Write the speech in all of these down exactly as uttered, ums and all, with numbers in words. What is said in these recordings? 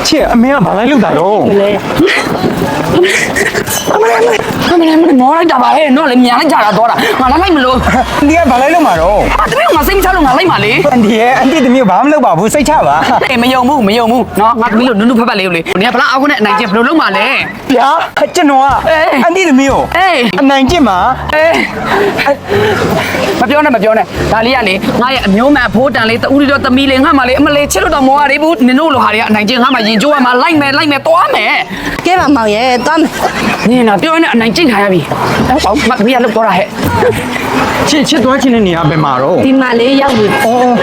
ချစ်အမေကဘာလိုက်လို့တာတော့အမလေးအမလေးအမလေးမောလိုက်တာပါဟဲ့နော်လေမြန်လိုက်ကြတာတော့တာငါလည်းလိုက်မလို့အန်တီကဘာလိုက်လို့မှာတော့အတမီးကငါစိတ်မချလို့ငါလိုက်ပါလေအန်တီရဲ့အန်တီသမီးဘာမှမလုပ်ပါဘူးစိတ်ချပါအေးမယုံဘူးမယုံဘူးနော်ငါသမီးလို့နုနုဖက်ဖက်လေးကိုလေနင်ကဘလားအောက်နဲ့အနိုင်ကျဘယ်လိုလုပ်မှာလဲဗျာကျွန်တော်ကအန်တီသမီးကိုအေးအနိုင်ကျင့်မှာအေးမပြောနဲ့မပြောနဲ့ဒါလေးကလေငါရဲ့အမျိုးမှန်အဖိုးတန်လေးတူရီတော့သမီးလေးငါမှလေအမလေးချစ်လို့တော့မောရသေးဘူးနင်တို့လိုဟာတွေကအနိုင်ကျင့်ငါမှရင်ကျိုးရမှာလိုက်မယ်လိုက်မယ်တွားမယ်ကဲပါမောင်ရဲ့တွားမယ်နင်တော့ပြောနေအနိုင်ကျင့်ခံရပြီဟုတ်ပါဘူးမသမီးကလုပ်တော့တာဟဲ့ချစ်ချစ်သွားချင်တဲ့နေရာပဲမှာတော့ဒီမှာလေးရောက်ပြီအော်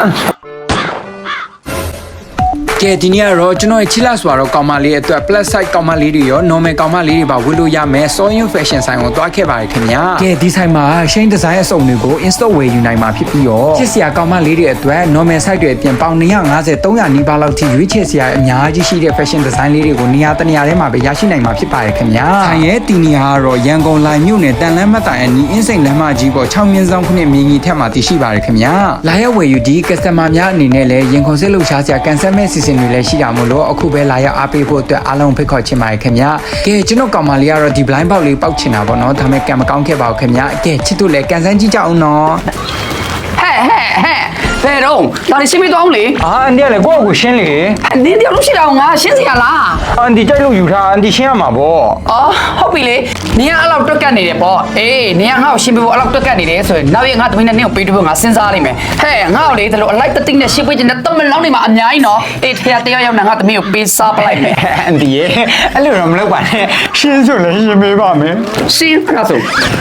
ကဲဒီနေ့ကတော့ကျွန်တော်ရဲ့ချီလာဆိုတော့ကောင်မလေးအတွက် plus size ကောင်မလေးတွေရော normal ကောင်မလေးတွေပါဝယ်လို့ရမယ်စောရင် fashion ဆိုင်ကိုတွားခဲ့ပါတယ်ခင်ဗျာကဲဒီဆိုင်မှာ Shane design အစုံတွေကို install ဝယ်ယူနိုင်မှာဖြစ်ပြီးတော့ချစ်စရာကောင်မလေးတွေအတွက် normal size တွေအပြင်ပေါင်two fifty 300နီးပါးလောက်ထိရွေးချယ်စရာအများကြီးရှိတဲ့ fashion design လေးတွေကိုနေရာတနေရာထဲမှာပဲရရှိနိုင်မှာဖြစ်ပါတယ်ခင်ဗျာဆိုင်ရဲ့တီနီယာကတော့ရန်ကုန်လိုင်မြို့နယ်တန်လန်းမတ်တိုင်အနီးအင်းစိန်လမ်းမကြီးပေါ်sixမြင်းဆောင်ခုနှစ်မြင်းကြီးထက်မှာတည်ရှိပါတယ်ခင်ဗျာလာရောက်ဝယ်ယူဒီ customer များအနေနဲ့လည်းရင်ခုန်စစ်လှုပ်ရှားစရာကန်ဆယ်မဲ့စီစဉ်တွေလည်းရှိတာမို့လို့အခုပဲလာရောက်အားပေးဖို့အတွက်အားလုံးဖိတ်ခေါ်ချင်ပါတယ်ခင်ဗျာကဲကျွန်တော်ကောင်မလေးကတော့ဒီ blind box လေးပောက်ချင်တာပေါ့နော်ဒါပေမဲ့ကံမကောင်းခဲ့ပါဘူးခင်ဗျာကဲချစ်တို့လည်းကန်ဆန်းကြည့်ကြအောင်နော်ဟဲ့ဟဲ့ဟဲ့ဘယ်တော့ဒါလေးရှင်းပြသွားအောင်လေအာအန်တီကလည်းကိုယ့်ကိုရှင်းလေနင်းတယောက်လို့ရှိတာကိုငါရှင်းစရာလားအန်တီကြိုက်လို့ယူထားအန်တီရှင်းရမှာပေါ့အော်ဟုတ်ပြီလေနင်ကအဲ့လောက်တွက်ကတ်နေတယ်ပေါ့အေးနင်ကငါ့ကိုရှင်းပြဖို့အဲ့လောက်တွက်ကတ်နေတယ်ဆိုရင်နောက်ရက်ငါသမီးနဲ့နင့်ကိုပေးတွေ့ဖို့ငါစဉ်းစားလိုက်မယ်ဟဲ့ငါ့ကိုလေဒီလိုအလိုက်တသိနဲ့ရှင်းပေးချင်တဲ့တမန်လောင်းနေမှာအများကြီးနော်အေးတရားတရားရောက်နေငါသမီးကိုပေးစားပလိုက်မယ်အန်တီရဲ့အဲ့လိုတော့မလုပ်ပါနဲ့ရှင်းဆိုလည်းရှင်းပေးပါမယ်ရှင်းအဲ့ဒါဆို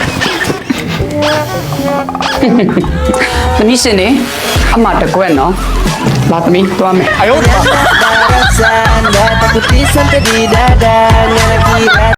သမီးရှင်နေအမတကွက်နော်လာသမီးသွားမယ်အယော Darasan, dapat putisan tadi dadanya